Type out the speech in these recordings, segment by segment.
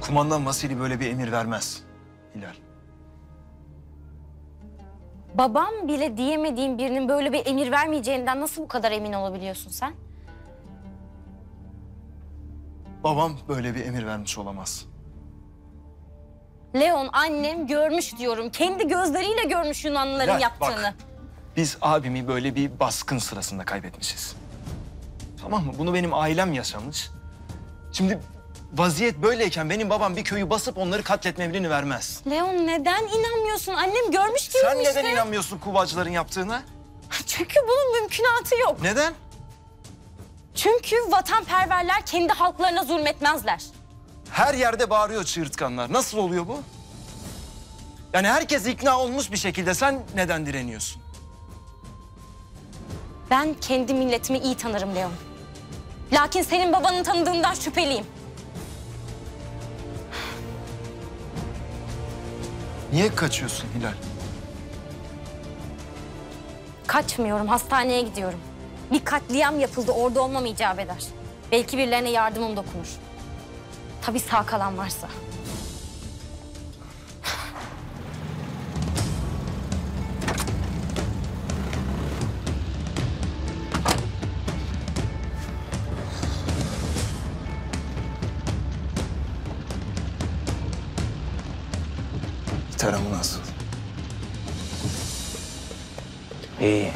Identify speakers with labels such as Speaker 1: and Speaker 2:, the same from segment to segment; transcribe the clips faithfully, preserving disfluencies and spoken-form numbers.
Speaker 1: Kumandan Vasili böyle bir emir vermez Hilal.
Speaker 2: Babam bile diyemediğin birinin böyle bir emir vermeyeceğinden nasıl bu kadar emin olabiliyorsun sen?
Speaker 1: Babam böyle bir emir vermiş olamaz.
Speaker 2: Leon, annem görmüş diyorum. Kendi gözleriyle görmüş Yunanlıların
Speaker 1: Hilal,
Speaker 2: yaptığını.
Speaker 1: Bak, biz abimi böyle bir baskın sırasında kaybetmişiz. Tamam mı? Bunu benim ailem yaşamış. Şimdi vaziyet böyleyken benim babam bir köyü basıp onları katletme emrini vermez.
Speaker 2: Leon, neden inanmıyorsun? Annem görmüş diyorum
Speaker 1: Sen
Speaker 2: işte.
Speaker 1: neden inanmıyorsun Kuvacıların yaptığına?
Speaker 2: Çünkü bunun mümkünatı yok.
Speaker 1: Neden?
Speaker 2: Çünkü vatanperverler kendi halklarına zulmetmezler.
Speaker 1: Her yerde bağırıyor çığırtkanlar. Nasıl oluyor bu? Yani herkes ikna olmuş bir şekilde. Sen neden direniyorsun?
Speaker 2: Ben kendi milletimi iyi tanırım Leon. Lakin senin babanın tanıdığından şüpheliyim.
Speaker 1: Niye kaçıyorsun Hilal?
Speaker 2: Kaçmıyorum, hastaneye gidiyorum. Bir katliam yapıldı, orada olmam icap eder. Belki birilerine yardımım dokunur. Tabii sağ kalan varsa.
Speaker 1: Tarafı nasıl?
Speaker 3: İyi.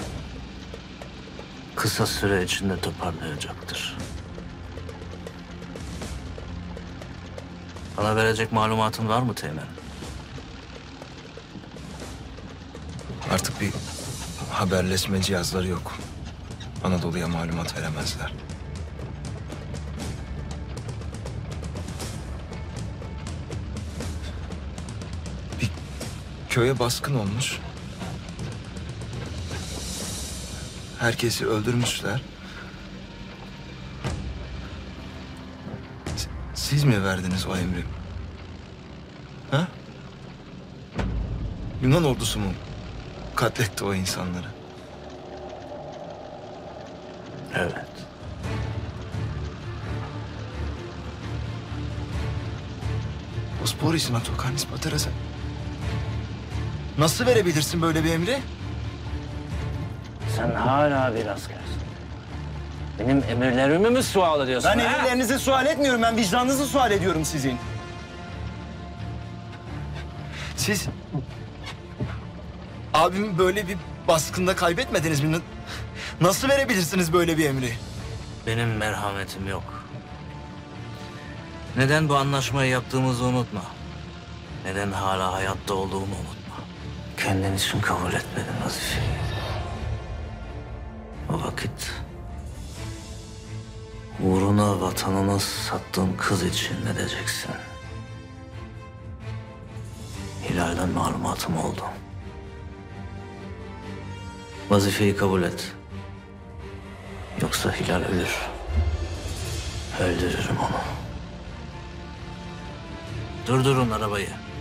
Speaker 3: Kısa süre içinde toparlayacaktır. Bana verecek malumatın var mı Teğmen?
Speaker 1: Artık bir haberleşme cihazları yok. Anadolu'ya malumat veremezler. Bir köye baskın olmuş. Herkesi öldürmüşler. S- Siz mi verdiniz o emri? Ha? Yunan ordusu mu katletti o insanları?
Speaker 3: Evet.
Speaker 1: Bosporis Natokanis Pateras'a. Nasıl verebilirsin böyle bir emri?
Speaker 3: Sen hala bir askersin. Benim emirlerimi mi sual ediyorsun?
Speaker 1: Ben
Speaker 3: ha?
Speaker 1: emirlerinizi sual etmiyorum. Ben vicdanınızı sual ediyorum sizin. Siz abimi böyle bir baskında kaybetmediniz mi? Nasıl verebilirsiniz böyle bir emri?
Speaker 3: Benim merhametim yok. Neden bu anlaşmayı yaptığımızı unutma. Neden hala hayatta olduğumu unutma. Kendin için kabul etmedin vazifeyi. O vakit uğruna vatanını sattığın kız için ne diyeceksin? Hilal'den malumatım oldu. Vazifeyi kabul et. Yoksa Hilal ölür. Öldürürüm onu. Durdurun arabayı.